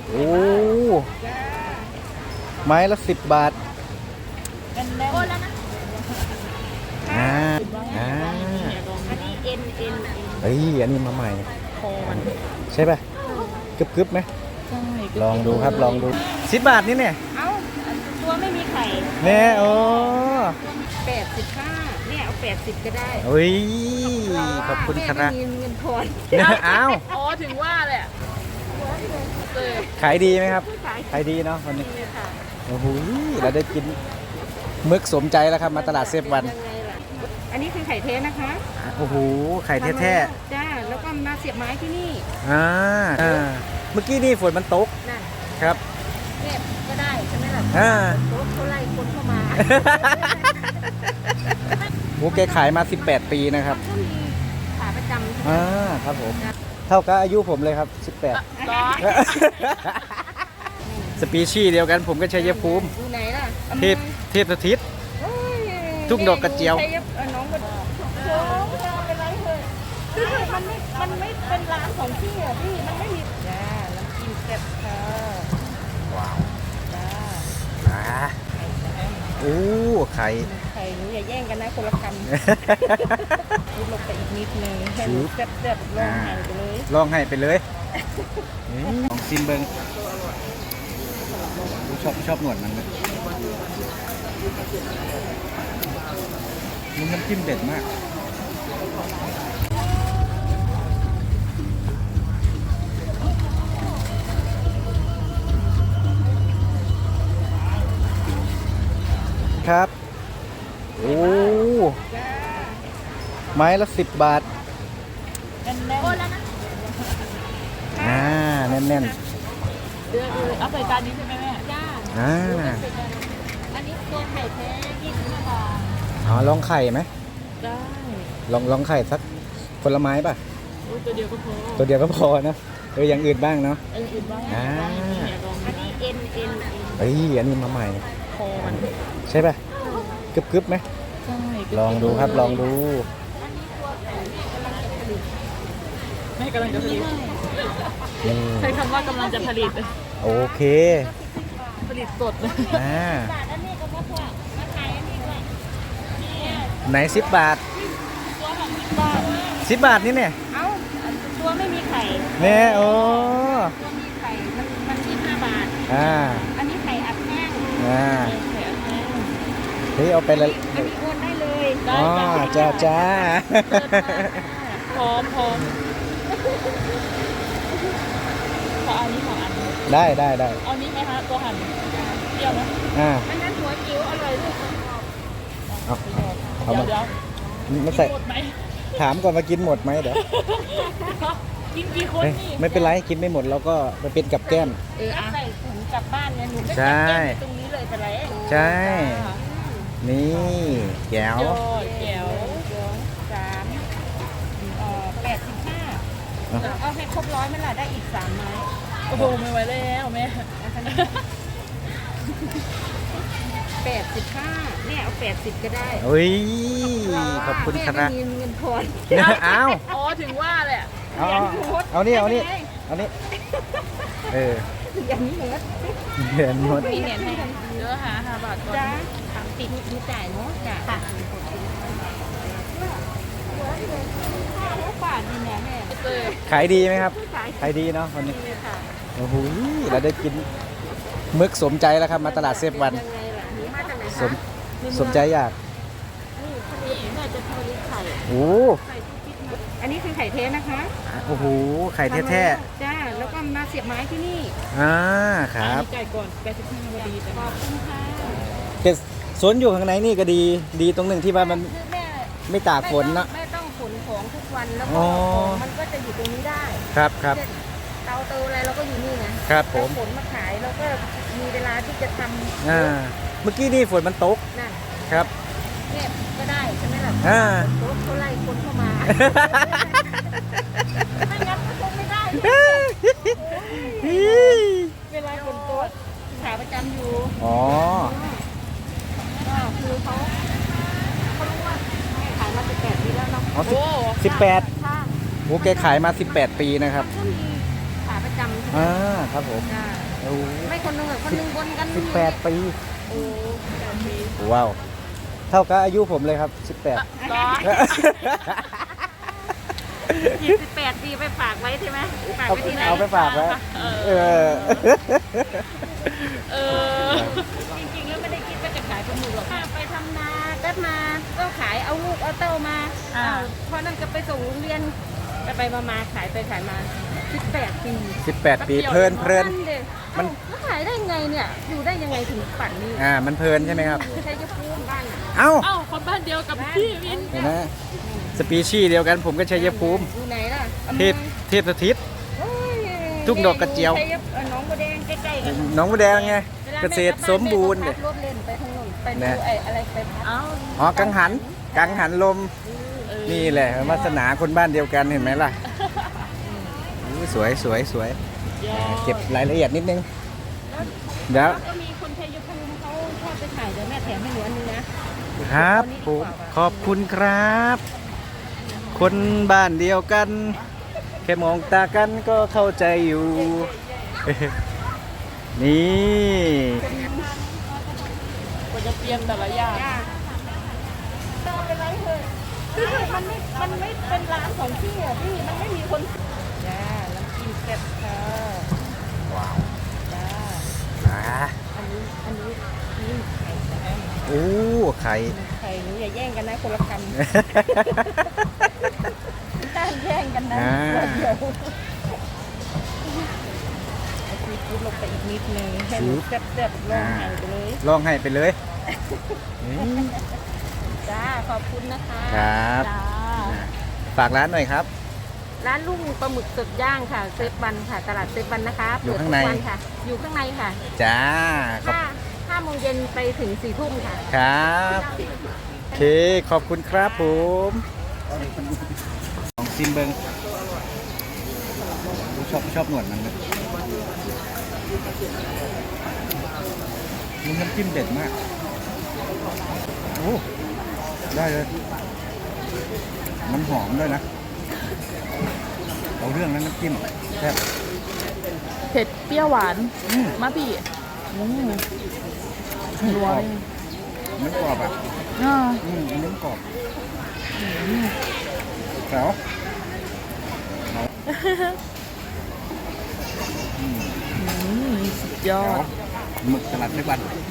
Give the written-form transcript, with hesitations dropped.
โอ้ไม้ละ10 บาทโอ้แล้วนะอ่าอันนี้เอ็นเฮ้ยอันนี้มาใหม่คอมันใช่ป่ะกึบไหมใช่ลองดูครับลองดู10 บาทนี่เนี่ยเอ้าตัวไม่มีไข่เนี่ยโอ้ 85เนี่ยเอา80ก็ได้เฮ้ยขอบคุณครับแม่ไม่มีเงินทอนอ้าวอ๋อถึงว่าแหละขายดีไหมครับขายดีเนาะวันนี้โอ้โหเราได้กินมึกสมใจแล้วครับมาตลาดเซฟวันอันนี้คือไข่เทสนะคะโอ้โหไข่แท้ๆจ้าแล้วก็มาเสียบไม้ที่นี่เมื่อกี้นี่ฝนมันตกนั่นครับเก็บก็ได้ใช่ไหมล่ะรถเขาไล่คนเข้ามาโอ้แกขายมา18 ปีนะครับก็มีขาประจำครับผมเท่ากับอายุผมเลยครับ18สปีชีส์เดียวกันผมก็ชัยภูมิอยู่ไหนล่ะเทพสถิตทุ่งดอกกระเจียวน้องก็โอ้เป็นไรเลยคือมันไม่เป็นร้านของพี่อ่ะพี่มันไม่มีจ้าน้ำจิ้มแซ่บค่ะว้าวจ้าโอ้ไข่หนูอย่าแย่งกันนะคนละคำพูดลงไปอีกนิดนึงให้หนูแซ่บๆลองให้ไปเลยลองซิมเบิ้งชอบหนวดมันเลยมันน้ำจิ้มเด็ดมากครับโอ้ไม้ละ10 บาทโอ้แล้วนะแน่นเอาใส่จานนี้ใช่ไหมแม่จ้าอันนี้ตัวไข่แท้25 บาทลองไข่ไหมได้ลองไข่สักผลไม้ป่ะตัวเดียวก็พอนะอย่างอื่นบ้างเนาะอย่างอื่นบ้างอันนี้เอ็นเฮ้ยอันนี้มาใหม่คอมันใช่ป่ะกึบไหมใช่ลองดูครับลองดูแม่กำลังจะผลิตใช้คำว่ากำลังจะผลิตโอเคผลิตสดไหน10 บาท10 บาทนี่เนี่ยเอ้าตัวไม่มีไข่เนี่ยโอ้ตัวมีไข่มัน25 บาทอันนี้ไข่อัดแห้งเฮ้ยเอาไปเลยอันนี้โอนได้เลยจ้าพร้อมขออันนี้2 อันได้เอานี้ไหมคะตัวหั่นเปรี้ยวไหมอันนั้นหัวจิ๋วอร่อยลูกเอามาไม่ใส่ถามก่อนมากินหมดไหมเดี๋ยวกินกี่คนนี่ไม่เป็นไรกินไม่หมดเราก็ไปเป็นกับแก้มใส่ถุงกลับบ้านไงหนูไม่ใส่ตรงนี้เลยไปเลยใช่นี่แก้ว 85เอาให้ครบ100ไหมล่ะได้อีก3 ไม้โอ้โหไม่ไหวแล้วแม่85เนี่ยเอา80ก็ได้เฮ้ยขอบคุณครับแม่ไม่มีเงินทอนอ้าวอ๋อถึงว่าแหละเอานี่อย่างนี้หมดมีเหรียญให้เยอะ5 บาทก่อนติดมีจ่ายเนาะจ้ะขายดีไหมครับขายดีเนาะวันนี้โอ้โหเราได้กินมึกสมใจแล้วครับมาตลาดเซฟวันสมใจอยากโอ้อันนี้คือไข่เทสนะคะโอ้โหไข่แท้ๆจ้าแล้วก็มาเสียบไม้ที่นี่ครับจ่ายก่อน85 นาทีขอบคุณค่ะแต่สวนอยู่ข้างในนี่ก็ดีตรงหนึ่งที่ว่ามันไม่ตากฝนเนาะไม่ต้องขนของทุกวันแล้วก็ของมันก็จะอยู่ตรงนี้ได้ครับเตาอะไรเราก็อยู่นี่ไงครับผมฝนมาขายเราก็มีเวลาที่จะทำเมื่อกี้นี่ฝนมันตกนั่นครับเก็บก็ได้ใช่ไหมล่ะรถเขาไล่คนเข้ามาไม่งั้นก็คงไม่ได้เวลาฝนตกขาประจำอยู่ก็คือเขารู้ว่าขายมา18 ปีแล้วเนาะ 18โอ้แกขายมา18 ปีนะครับก็มีขาประจำครับผมจ้าโอ้ไม่คนหนึงคนหนึงบนกัน 18 ปีโอ้18 ปีว้าว เท่ากับอายุผมเลยครับ 18 เหรอ28 ปีไปฝากไว้ใช่ไหมฝากไว้ที่ไหนเอาไปฝากไว้เออเออจริงๆแล้วไม่ได้คิดว่าจะขายปลาหมึกหรอกไปทำนาก็มาก็ขายเอาลูกเอาเต้ามาพอนั่นก็ไปส่งโรงเรียนไปมาขายไปขายมา18 ปี 18 ปีเพลินมันแล้วขายได้ไงเนี่ยอยู่ได้ยังไงถึงปั่นนี่มันเพลินใช่ไหมครับใช้ยภูมิบ้านเอ้าคนบ้านเดียวกับพี่วินเห็นไหมสปีชีส์เดียวกันผมก็ชัยภูมิอยู่ไหนล่ะเทพสถิต ทุ่งดอกกระเจียวน้องบัวแดงใกล้ๆกันหน้องบัวแดงไง เกษตรสมบูรณ์รเนี่ยถเล่นไปทางโน้นไปดูนะอะไรไปพักอ๋อกังหันลม นี่แหละวาสนาคนบ้านเดียวกันเห็นไหมล่ะอู้สวยเก็บรายละเอียดนิดนึงเดี๋ยวก็มีคนชัยภูมิเขาชอบไปถ่ายเดี๋ยวแม่แถมให้หนูอันนึงนะครับผมขอบคุณครับ คนบ้านเดียวกัน แค่มองตากันก็เข้าใจอยู่ นี่กว่าจะเตรียมแต่ละอย่างต้องไปไว้เถอะคือมันไม่เป็นร้านของพี่อ่ะพี่มันไม่มีคนจ้าน้ำจิ้มแซ่บค่ะว้าวจ้าอ่าอันนี้นี่ไข่นะโอ้ไข่ไข่หนูอย่าแย่งกันนะคนละคำต้านแย่งกันนะเดี๋ยวซีฟู้ดลงไปอีกนิดนึงให้หนูแซ่บๆลองไข่ไปเลยลองให้ไปเลยนี่จ้าขอบคุณนะคะครับจ้าฝากร้านหน่อยครับร้านลุงปลาหมึกสดย่างค่ะเซฟวันค่ะตลาดเซฟวันนะคะอยู่เปิดข้างทุในกวันค่ะ อยู่ข้างในค่ะจ้าขอบ 5 โมงเย็นไปถึง 4 ทุ่มค่ะครับโอเคขอบคุณครับผมลองซิมเบิงชอบหนวดมันเลยมันน้ำจิ้มเด็ดมากโอ้ได้เลยมันหอมด้วยนะเอาเรื่องนั้นน้ำจิ้มแซ่บเผ็ดเปรี้ยวหวานอืมมาพี่กรอบมันกรอบอ่ะอ่าอันนี้กรอบแล้วสุดยอดหมึกสลัดไม่บัน